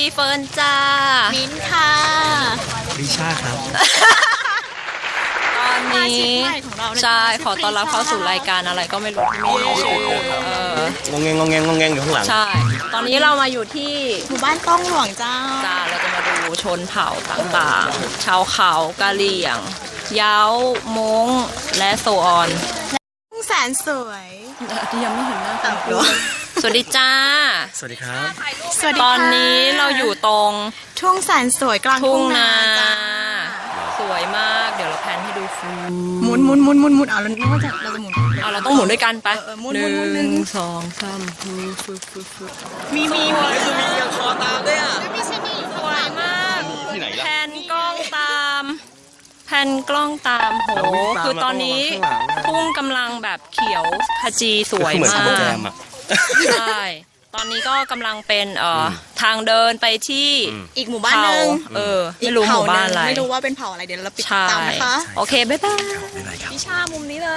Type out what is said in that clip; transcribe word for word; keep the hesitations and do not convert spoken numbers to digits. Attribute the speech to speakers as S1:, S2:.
S1: เฟิร์นจ้า
S2: มิ้นค่ะ
S3: ริชาครับ
S1: ตอนนี้ใช่ขอต้อนรับเข้าสู่รายการอะไรก็ไม่รู้ที่ไม่รู้ชื่อง
S3: งงงงงงงงอยู่ข้างหลัง
S1: ใช่ตอนนี้เรามาอยู่ที่
S2: หมู่บ้านต้องหลวงเจ้า
S1: จ้าเราจะมาดูชนเผ่าต่างๆชาวเขากะเหรี่ยงเย้ามงและโซออน
S2: แสนสวย
S1: ที่ยังไม่เห็นหน้าตาสวัสดีจ้า
S3: สวัสดีครับ
S2: สวัสดี
S1: ตอนนี้เราอยู่ตรง
S2: ทุ่งแสนสวยกลางทุ่งนา
S1: สวยมากเดี๋ยวเราแพนให้ดูฟู
S2: หมุนหมุนหมุนหมุนหมุนเอาแล้วนึกว่าจะเราจะหมุน
S1: เอาเราต้องหมุนด้วยกันไป
S2: หนึ่ง
S1: สองสามฟูฟูฟูฟู
S2: มีมีมี
S3: คือมียังคอตามด้วยอ่ะ
S1: สวยมาก
S3: ที่ไหนล่ะ
S1: แพนกล้องตามแพนกล้องตามโหคือตอนนี้ทุ่งกำลังแบบเขียวขจีสวยมากใช่ตอนนี้ก็กำลังเป็นเอ่อทางเดินไปที่
S2: อีกหมู่บ้านนึง
S1: เออไม่รู้หมู่บ้านอะไร
S2: ไม่รู้ว่าเป็นเผ่าอะไรเดี๋ยวเราปิดตามนะคะ
S1: โอเคบ๊ายบาย
S2: พี่ชามุมนี้เลย